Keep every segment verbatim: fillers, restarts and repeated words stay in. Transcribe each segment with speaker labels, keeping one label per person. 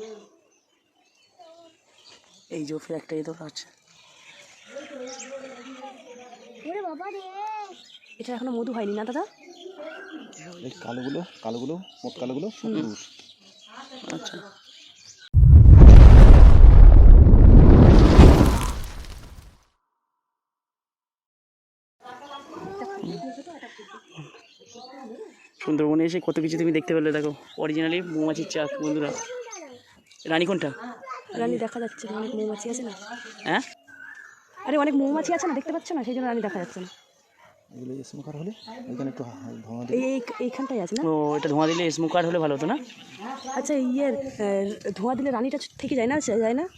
Speaker 1: এই যে ফের একটা এতো আছে, এটা এখনো মধু হয়নি না দাদা?
Speaker 2: এই কালোগুলো কালোগুলো মোট কালোগুলো সবুজ।
Speaker 1: আচ্ছা, সুন্দরবনে এসে কত কিছু তুমি দেখতে পেলে। দেখো অরিজিনালি মৌমাছির চাক বন্ধুরা। রানী কোনটা? রানী দেখা যাচ্ছে না, অনেক মৌমাছি আছে না। হ্যাঁ, আরে অনেক মৌমাছি আছে না, দেখতে পাচ্ছ না, সেই জন্য রানী দেখা যাচ্ছে না।
Speaker 2: এগুলো স্মোকার হলে এখানে একটু ধোঁয়া দিলে,
Speaker 1: এই এইখানটাই আছে না? ও, এটা ধোঁয়া দিলে স্মোকার হলে ভালো হতো না? আচ্ছা, ইয়ের ধোঁয়া দিলে রানীটা থেকে যায় না? যায় না?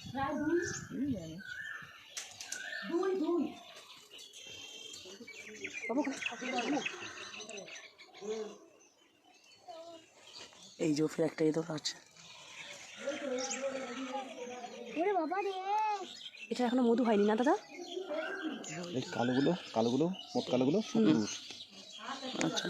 Speaker 1: এই যে ফের একটা এতো আছে, এটা এখনো মধু হয়নি না দাদা?
Speaker 2: এই কালোগুলো কালোগুলো মোট কালোগুলো সবুজ।
Speaker 1: আচ্ছা,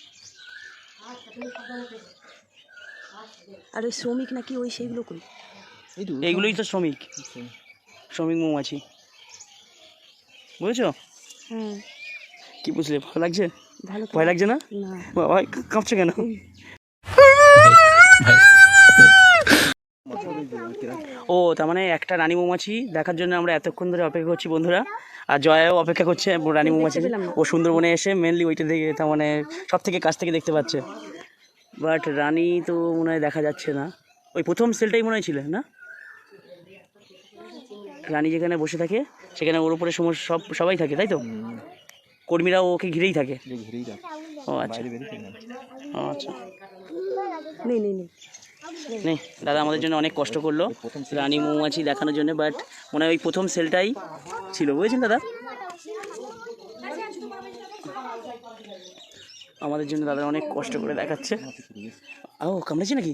Speaker 1: আর ওই শ্রমিক নাকি ওই সেইগুলো কই? এইগুলোই তো শ্রমিক, শ্রমিক মৌমাছি, বুঝেছো? হ্যাঁ। কি বুঝলে? ভালো লাগছে? ভালো। ভয় লাগছে না? না। বাবা কাঁপছে কেন? ও, তার মানে একটা রানী মৌমাছি দেখার জন্য আমরা এতক্ষণ ধরে অপেক্ষা করছি বন্ধুরা। আর জয়াও অপেক্ষা করছে রানী মৌমাছি। ও সুন্দরবনে এসে মেনলি ওইটা দেখে, তার মানে সব থেকে কাছ থেকে দেখতে পাচ্ছে। বাট রানী তো মনে হয় দেখা যাচ্ছে না। ওই প্রথম সেলটাই মনে হয় ছিল না? রানী যেখানে বসে থাকে সেখানে ওর উপরে সমস্ত সব সবাই থাকে, তাই তো? কর্মীরাও ওকে ঘিরেই থাকে। ও আচ্ছা, ও আচ্ছা। নেই নেই নেই নেই, দাদা আমাদের জন্য অনেক কষ্ট করলো রানী মৌমাছি দেখানোর জন্য। বাট মনে হয় ওই প্রথম সেলটাই ছিল, বুঝেছেন দাদা? আমাদের জন্য দাদা অনেক কষ্ট করে দেখাচ্ছে। ও, কামড়েছে নাকি?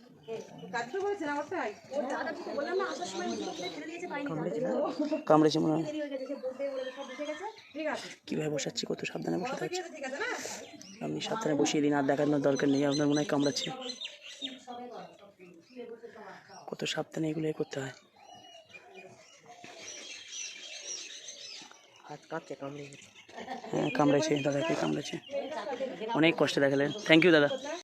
Speaker 1: কামড়েছে মনে হয়। কীভাবে বসাচ্ছি, কত সাবধানে বসাতে হচ্ছে। আপনি সাবধানে বসিয়ে দিন, আর দেখানোর দরকার নেই। আপনার মনে হয় কামড়াচ্ছে, কত সাবধানে এগুলো করতে হয়। হ্যাঁ, কামড়েছে দাদাকে, কামড়েছে। অনেক কষ্টে দেখালেন, থ্যাংক ইউ দাদা।